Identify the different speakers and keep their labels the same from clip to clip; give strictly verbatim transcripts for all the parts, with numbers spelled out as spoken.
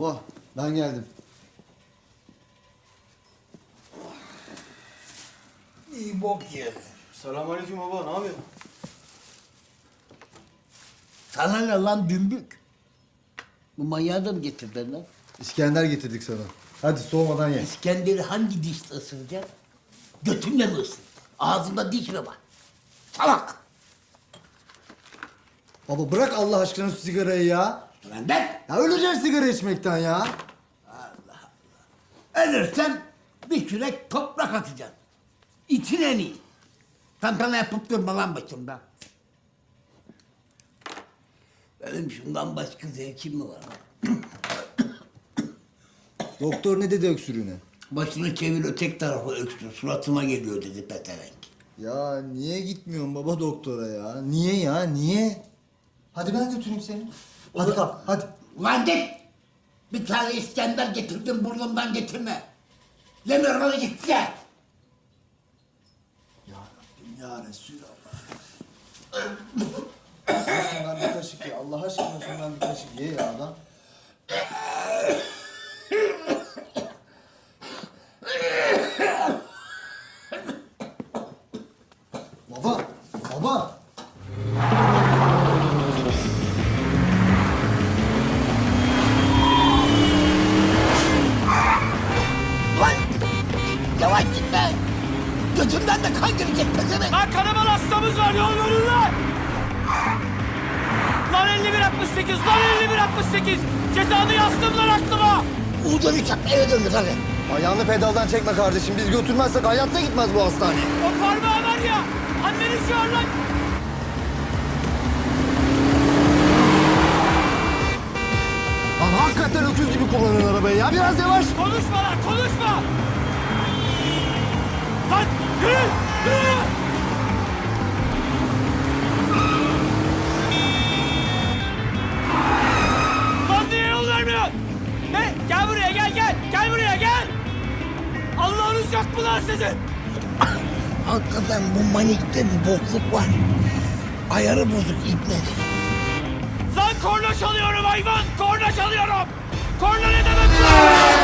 Speaker 1: Baba ben geldim.
Speaker 2: İyi bok yedi.
Speaker 1: Selamünaleyküm baba, ne yapıyorsun?
Speaker 2: Sana ne lan dümbük? Bu manyağı da mı getirdin lan?
Speaker 1: İskender getirdik sana. Hadi soğumadan ye.
Speaker 2: İskender'i hangi dişle ısıracaksın? Götünle mi ısır? Ağzında diş mi var? Salak!
Speaker 1: Baba bırak Allah aşkına şu sigarayı ya.
Speaker 2: Benden
Speaker 1: Ya öleceksin sigara içmekten ya.
Speaker 2: ölürsen bir kürek toprak atacaksın. İçin en iyi. Tantana yapıp durma lan başımda. Benim şundan başka zevkim mi var lan?
Speaker 1: Doktor ne dedi öksürüğüne?
Speaker 2: Başını çevir ötek tarafa öksür. Suratıma geliyor dedi peterenk.
Speaker 1: Ya niye gitmiyorsun baba doktora ya? Niye ya, niye? Hadi ben götüreyim seni. Hadi kalk, hadi.
Speaker 2: Ulan git! Bir tane İskender getirdim burnumdan getirme. Demiyorum hadi git ya.
Speaker 1: Ya Rabbim ya Resulallah. Şundan bir kaşık ye. Allah aşkına şundan bir kaşık ye ya adam. Baba, baba.
Speaker 2: Ulan! Yavaş gitme! Götümden de kan girecek pezevenk.
Speaker 3: Lan kanaman hastamız var, yol verin lan! Lan elli bir altmış sekiz, lan elli bir altmış sekiz! Cezanı yazdım lan aklıma!
Speaker 2: Uğurdan uçak eve döndü hadi.
Speaker 1: Ayağını pedaldan çekme kardeşim. Biz götürmezsek hayatta gitmez bu hastaneye.
Speaker 3: O parmağı var ya, anneni çağır lan!
Speaker 1: Lan hakikaten öküz gibi kullanın arabayı ya. Biraz yavaş.
Speaker 3: Konuşma lan, konuşma! Lan yürü, yürü! Lan niye yol vermiyorsun? Ne? Gel buraya, gel, gel! Gel buraya, gel! Allah'ınız yok mu lan sizin?
Speaker 2: Hakikaten bu manikte bir bokluk var. Ayarı bozuk ibnet.
Speaker 3: Lan korna çalıyorum hayvan! Korna çalıyorum! Korna ne demek lan?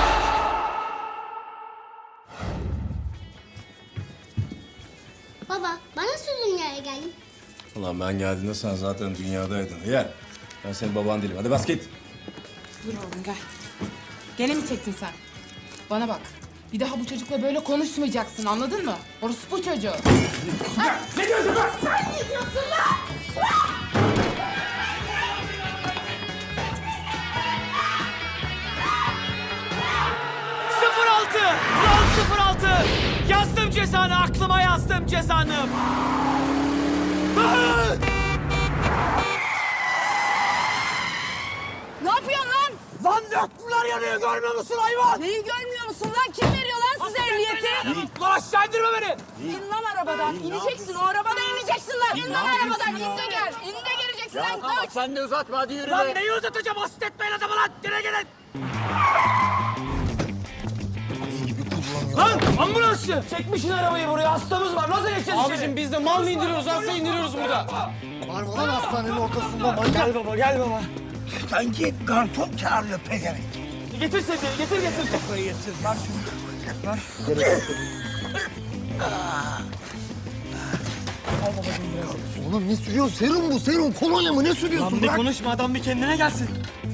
Speaker 4: Baba, ben nasıl dünyaya geldim?
Speaker 5: Ulan ben geldiğinde sen zaten dünyadaydın. Gel. Ben senin baban değilim. Hadi bas git.
Speaker 6: Dur oğlum gel. Gene mi çektin sen? Bana bak. Bir daha bu çocukla böyle konuşmayacaksın anladın mı? Orası bu çocuğu.
Speaker 3: Ne diyorsun lan?
Speaker 6: Sen ne diyorsun lan?
Speaker 3: sıfır altı! Lan sıfır altı! Yazdım cezanı, aklıma yazdım cezanı. Ah!
Speaker 6: Ne yapıyorsun lan?
Speaker 3: Lan döktüler yanıyor, görmüyor musun hayvan?
Speaker 6: Neyi görmüyor musun lan? Kim veriyor lan size ehliyeti?
Speaker 3: Lan aşağı indirme beni!
Speaker 6: İn lan arabadan. İneceksin. O arabadan ineceksin lan. İn lan arabadan. İn de gel. İn de geleceksin lan. Koş.
Speaker 3: Sen de uzatma, hadi yürü. Lan neyi uzatacağım? Asit etmeyin adamı lan! Gene gelin! Lan ambulansçı! Çekmişsin arabayı buraya, hastamız var. Nasıl geçeceğiz içeri? Abicim biz de mal mı indiriyoruz, hasta indiriyoruz burada.
Speaker 1: Var mı lan hastanenin ortasında manyak?
Speaker 3: Gel baba, gel baba.
Speaker 2: Sanki garson çağırıyor pezevenk.
Speaker 3: Getir seni, getir getir.
Speaker 2: Kafayı getir. Ver şunu.
Speaker 1: Oğlum ne sürüyorsun? Serum bu, serum. Kolonya mı? Ne sürüyorsun?
Speaker 3: Lan bir
Speaker 1: Bırak.
Speaker 3: konuşma, adam bir kendine gelsin.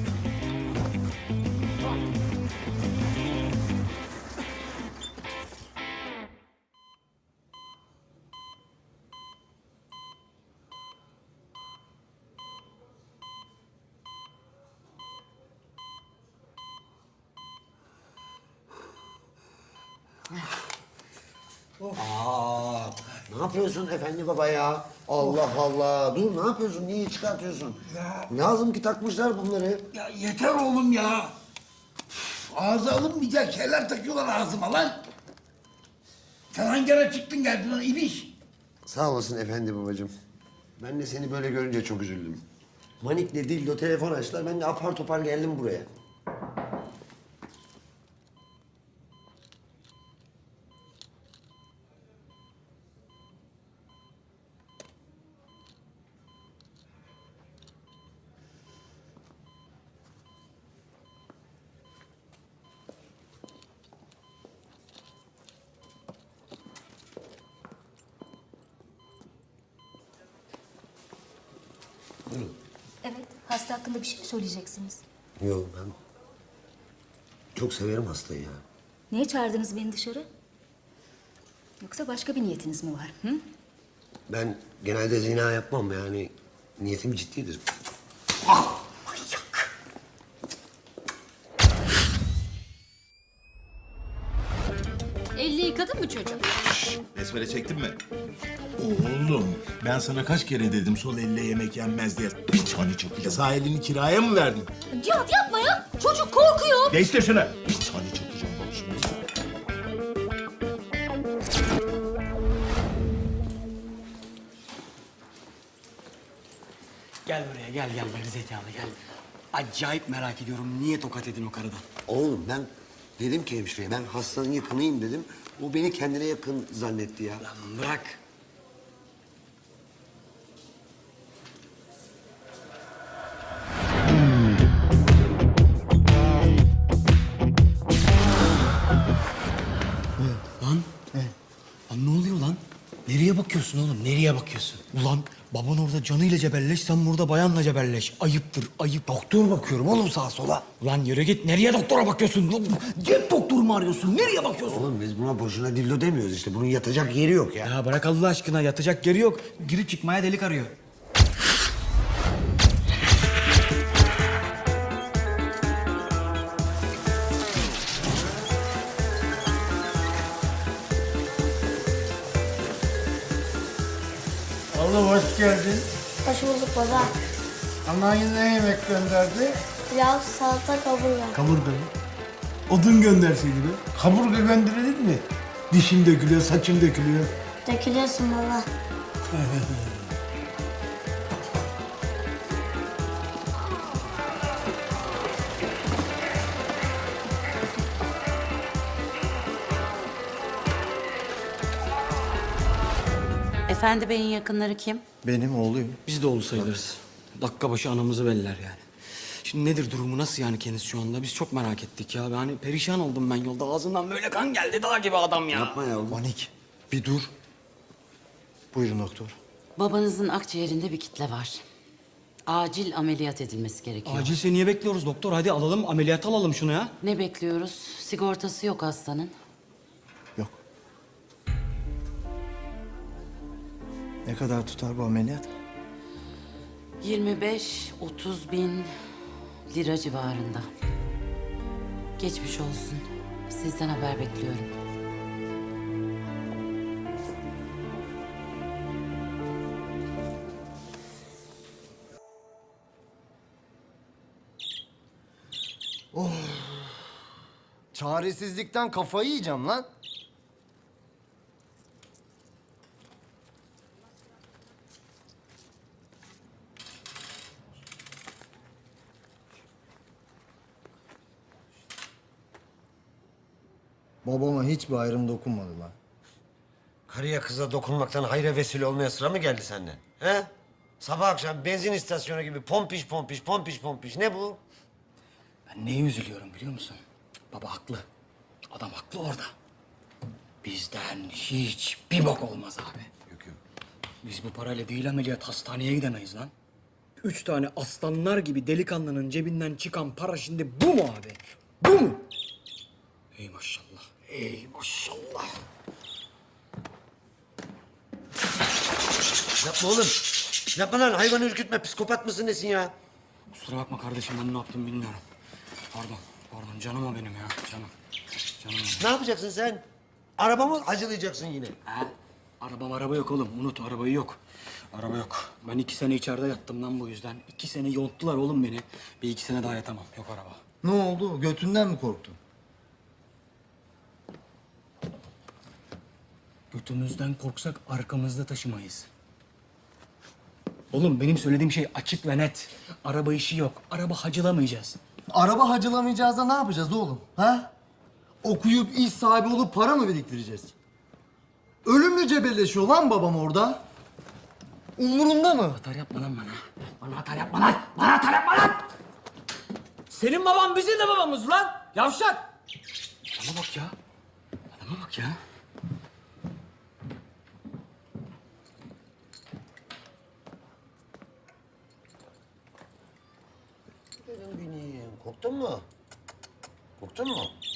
Speaker 7: Aa, ne yapıyorsun efendi baba ya? Allah Allah. Dur ne yapıyorsun? Niye çıkartıyorsun?
Speaker 2: Ya.
Speaker 7: Lazım ki takmışlar bunları.
Speaker 2: Ya yeter oğlum ya. Ağza alınmayacak şeyler takıyorlar ağzıma lan. Sen hangi ara çıktın geldin lan ibiş?
Speaker 7: Sağ olasın efendi babacığım. Ben de seni böyle görünce çok üzüldüm. Manik'le Dildo telefon açtılar. Ben de apar topar geldim buraya.
Speaker 8: Hasta hakkında bir şey mi söyleyeceksiniz?
Speaker 7: Yok ben çok severim hastayı ya.
Speaker 8: Niye çağırdınız beni dışarı? Yoksa başka bir niyetiniz mi var? Hı?
Speaker 7: Ben genelde zina yapmam yani niyetim ciddidir.
Speaker 8: Elli yıkadın mı çocuğum?
Speaker 9: Besmele çektin mi? Oğlum ben sana kaç kere dedim sol elle yemek yenmez diye. Bir tane çakıca sağ elini kiraya mı verdin?
Speaker 8: Cihat yapma ya. Çocuk korkuyor.
Speaker 9: Değiştir şunu. Bir tane çakacağım bak şimdi.
Speaker 3: Gel buraya gel gel gerizekalı gel. Acayip merak ediyorum niye tokat edin o karıdan?
Speaker 7: Oğlum ben dedim ki hemşireye ben hastanın yakınıyım dedim. O beni kendine yakın zannetti ya.
Speaker 3: Lan bırak. Lan. Lan ne oluyor lan? Nereye bakıyorsun oğlum? Nereye bakıyorsun? Ulan baban orada canıyla cebelleş, sen burada bayanla cebelleş. Ayıptır, ayıp. Doktor bakıyorum oğlum sağa sola. Ulan yürü git. Nereye doktora bakıyorsun? Lan, cep doktoru mu arıyorsun? Nereye bakıyorsun?
Speaker 7: Oğlum biz buna boşuna dildo demiyoruz işte. Bunun yatacak yeri yok ya.
Speaker 3: Ya bırak Allah aşkına. Yatacak yeri yok. Girip çıkmaya delik arıyor.
Speaker 2: Oğlum hoş geldin.
Speaker 4: Hoş bulduk baba.
Speaker 2: Anan ne yemek gönderdi?
Speaker 4: Pilav, salata, kaburga.
Speaker 2: Kaburga mı? Odun gönderseydi be. Kaburga gönderilir mi? Dişim dökülüyor, saçım dökülüyor.
Speaker 4: Dökülüyorsun baba.
Speaker 10: Efendi Bey'in yakınları kim?
Speaker 1: Benim oğluyum.
Speaker 3: Biz de oğlu sayılırız. Dakika başı anamızı belliler yani. Şimdi nedir durumu, nasıl yani kendisi şu anda? Biz çok merak ettik ya. Yani perişan oldum ben yolda. Ağzından böyle kan geldi, dağ gibi adam ya.
Speaker 7: Yapma ya oğlum.
Speaker 1: Manik bir dur. Buyurun doktor.
Speaker 10: Babanızın akciğerinde bir kitle var. Acil ameliyat edilmesi gerekiyor.
Speaker 3: Acilse niye bekliyoruz doktor? Hadi alalım, ameliyat alalım şunu ya.
Speaker 10: Ne bekliyoruz? Sigortası yok hastanın.
Speaker 1: Yok. Ne kadar tutar bu ameliyat?
Speaker 10: yirmi beş otuz bin lira civarında. Geçmiş olsun. Sizden haber bekliyorum.
Speaker 1: Çaresizlikten kafayı yiyeceğim lan. Babama hiçbir ayrım dokunmadı lan.
Speaker 7: Karıya kıza dokunmaktan hayra vesile olmaya sıra mı geldi senden? He? Sabah akşam benzin istasyonu gibi pompiş pompiş pompiş pompiş. Ne bu?
Speaker 3: Ben neye üzülüyorum biliyor musun? Baba haklı. Adam haklı orada. Bizden hiç bir bok olmaz abi.
Speaker 7: Yok yok.
Speaker 3: Biz bu parayla değil ameliyat hastaneye gidemeyiz lan. Üç tane aslanlar gibi delikanlının cebinden çıkan para şimdi bu mu abi? Bu mu? Ey maşallah, ey maşallah.
Speaker 7: Yapma oğlum. Yapma lan hayvanı ürkütme. Psikopat mısın nesin ya?
Speaker 3: Kusura bakma kardeşim ben ne yaptım bilmiyorum. Pardon, pardon canım o benim ya, canım. Canım o.
Speaker 7: Ne yapacaksın sen? Arabamı acılayacaksın yine.
Speaker 3: Ha? Arabam araba yok oğlum. Unut arabayı yok. Araba yok. Ben iki sene içeride yattım lan bu yüzden. İki sene yonttular oğlum beni. Bir iki sene daha yatamam. Yok araba.
Speaker 1: Ne oldu? Götünden mi korktun?
Speaker 3: Götümüzden korksak arkamızda taşımayız. Oğlum benim söylediğim şey açık ve net. Araba işi yok. Araba hacılamayacağız.
Speaker 1: Araba hacılamayacağız da ne yapacağız oğlum? Ha? Okuyup iş sahibi olup para mı biriktireceğiz? Ölümlü cebelleşiyor lan babam orada. Umurunda mı?
Speaker 3: Atar yapma lan bana. Bana atar yapma lan. Bana atar yapma lan. Senin baban bizim de babamız lan. Yavşak. Adama bak ya. Adama bak ya.
Speaker 7: Aferin benim. Korktun mu? Korktun mu?